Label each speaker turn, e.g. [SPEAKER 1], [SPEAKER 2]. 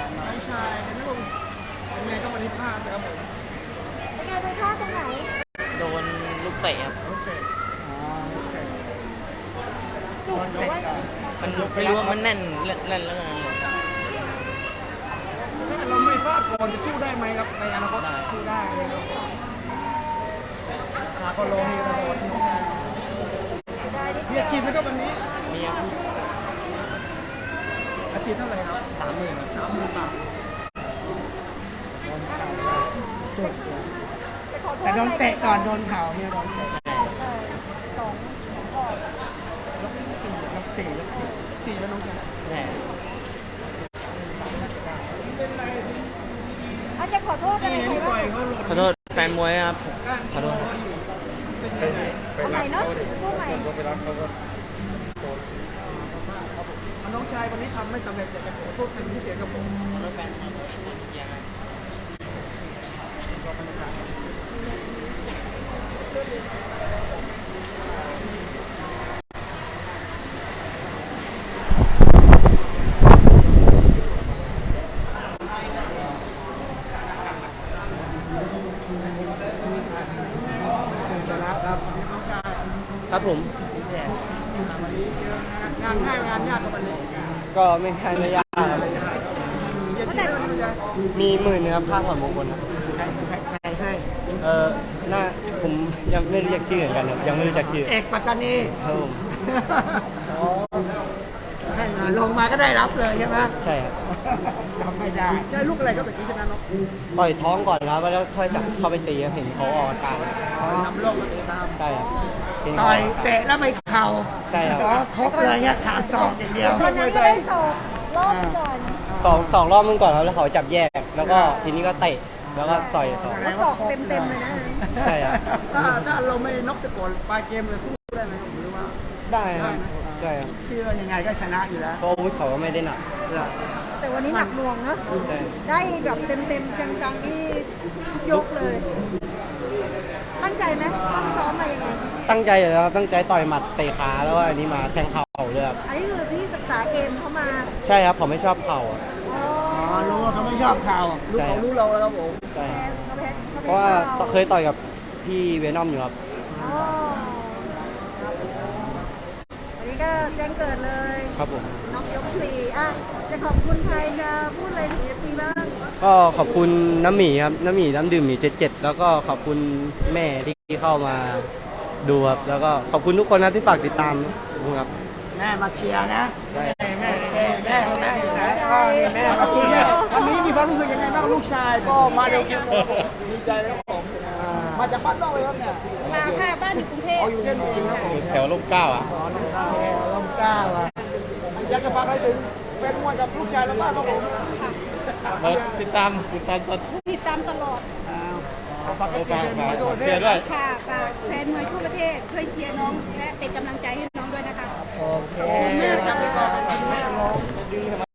[SPEAKER 1] น้องชายนะผมยังไงก็วันนี้พลาดนะครับผม
[SPEAKER 2] เป็นไงไปพลาดตรงไหน
[SPEAKER 3] โดนลูกเตะครับ
[SPEAKER 1] โอเคโอเค
[SPEAKER 2] จุกหรือว่า
[SPEAKER 3] มันไม่รู้ว่ามันแน่นแน่นแล้วไง
[SPEAKER 1] ถ้าเราไม่พลาดก่อนจะสู้ได้ไหมครับในอนาคตสู้ได้เลยครับขาก็โลเฮตลอดน้องชาย
[SPEAKER 2] ได้ดิ
[SPEAKER 1] มีอาชีพไหมครับวันนี้
[SPEAKER 3] มีครับ
[SPEAKER 1] อาชีพเท่าไหร่ครับ30,000 บาทจบ
[SPEAKER 2] จะขอโทษ
[SPEAKER 1] แต่โดนเตะก่อนโดนเข่าเนี่ยโดนเตะ
[SPEAKER 2] สองก่อน
[SPEAKER 1] ยกสี่แล้วน้องชาย
[SPEAKER 3] แน่
[SPEAKER 2] อาจจะขอโทษอะไร
[SPEAKER 1] นี่
[SPEAKER 2] ใคร
[SPEAKER 1] นี่ปล่
[SPEAKER 2] บ้า
[SPEAKER 1] อย
[SPEAKER 2] ง
[SPEAKER 1] เขาหล่น
[SPEAKER 3] ขอโทษแฟนมวยครับขอโทษครับ
[SPEAKER 2] เอาใหม่เนาะพูดใหม่
[SPEAKER 1] น้องชายวันนี้ทำไม่สำเร็จอยากจะขอโทษเป็นพิเศษกับผม
[SPEAKER 3] ขอโทษแฟนครับเชียร์ครับ
[SPEAKER 1] ชนะครับน้องชาย
[SPEAKER 3] ครับผม
[SPEAKER 1] วันนี้เจองานง่ายงานยากกับวันนี้
[SPEAKER 4] ก็ไม่ใช่ไม่ยากครับ
[SPEAKER 1] อย่าชี้เลยน้องชาย
[SPEAKER 4] มี10,000นะครับค่าถอนมงคลครับ
[SPEAKER 1] ใครให้
[SPEAKER 4] น่าผมยังไม่รู้จักชื่อเหมือนกันครับยังไม่รู้จักชื่อ
[SPEAKER 1] เอกปัตตานี
[SPEAKER 4] ครับผม
[SPEAKER 1] ให้มาลงมาก็ได้รับเลยใช่ไหม
[SPEAKER 4] ใช่ครับ
[SPEAKER 1] ทำไม่ได้ใช่ลูกอะไรก็ตะกี้ชนะเนาะ
[SPEAKER 4] ต่อยท้องก่อนครับแล้วค่อยจับเข้าไปตีครับเห็นเขาออกอาการ
[SPEAKER 1] นำโลกมาติดตาม
[SPEAKER 4] ใช่ครับเห็น
[SPEAKER 1] ต่
[SPEAKER 4] เขา
[SPEAKER 1] อยเตะแล้วไปเข่า
[SPEAKER 4] ใช่ครับ
[SPEAKER 1] ครบเลยเนี่ยขาดศอกอย่างเดียว
[SPEAKER 2] วันนั้นก็ได้สอบรอบก่อน
[SPEAKER 4] สองรอบมึงก่อนครับแล้วเขาจับแยก แล้วก็ทีนี้ก็เตะแล้วก็ต่อยสอง
[SPEAKER 2] แล้วสอบเต็มเลยนะ
[SPEAKER 4] ใช่ครับ
[SPEAKER 1] ถ้าเราไม่น็อกสกอร์ปลายเกมเลยสู้ได้ไหมหรือว่า
[SPEAKER 4] ได้ครับใช่ครับ
[SPEAKER 1] คิดว่ายังไงก็ชนะอยู่แล้ว
[SPEAKER 4] เพราะอาวุธเขาก็ไม่ได้หนัก
[SPEAKER 2] แต่วันนี้หนักหน่วงเนอะ
[SPEAKER 4] ใช่
[SPEAKER 2] ได้แบบเต็มจังๆที่ยกเลย ตั้งใจไหมต้องซ้อมมายังไง
[SPEAKER 4] ตั้งใจอยู่แล้วครับตั้งใจต่อยหมัดเตะขาแล้วก็อันนี้มาแทงเข่าด้วยครับ
[SPEAKER 2] อันนี้คือพี่ศึกษาเกมเข้ามา
[SPEAKER 4] ใช่ครับผมไม่ชอบเข่าอะ
[SPEAKER 2] อ๋อ
[SPEAKER 1] อ๋อรู้ว่าเขาไม่ชอบข่าวรู้
[SPEAKER 4] ใช่
[SPEAKER 1] เขารู้เราแล้วผม
[SPEAKER 4] ใช่ครับ
[SPEAKER 2] เขาแพ้
[SPEAKER 4] เพราะว่าเคยต่อยกับพี่เวนอมอยู่ครับ
[SPEAKER 2] อ๋อวันนี้ก็แจ้งเกิดเลย
[SPEAKER 4] ครับผม
[SPEAKER 2] น็อกยกสี่อ่ะจะขอบคุณใครจะพูดอะไรถึงเอฟซีบ้าง
[SPEAKER 4] ก็ขอบคุณน้ำหมีครับน้ำหมีน้ำดื่มหมี77แล้วก็ขอบคุณแม่ที่เข้ามาดูครับแล้วก็ขอบคุณทุกคนนะที่ฝากติดตามครับ
[SPEAKER 1] แม่มาเชียร์นะ
[SPEAKER 4] ใช่
[SPEAKER 1] แม่อยู่ไหนก็นี่แม่มาเชียร์วันนี้มีความรู้สึกยังไงบ้างลูกชายก็มาดูคลิปดีใจแล้วผมมาจากบ้านนอกเลยครับเนี่ย
[SPEAKER 2] มาค่ะบ้านอยู่กรุงเทพ
[SPEAKER 1] เอาอยู่เล่นเองครับผม
[SPEAKER 4] แถวลูกเก้าอ่ะ
[SPEAKER 1] อ๋อน้องข้าวลมก้าวอ่ะอยากจะฝากอะไรถึงแฟนมวยกับลูกชายแล้วบ้างครับผม
[SPEAKER 4] ติดตามตอน
[SPEAKER 2] ติดตามตลอด
[SPEAKER 1] เอาฝากให้เชียร์มวยทั่วประเทศ
[SPEAKER 2] ค่ะฝากแฟนมวยทั่วประเทศช่วยเชียร์น้องและเป็นกำลังใจให้น้องด้วยนะคะ
[SPEAKER 1] โอเค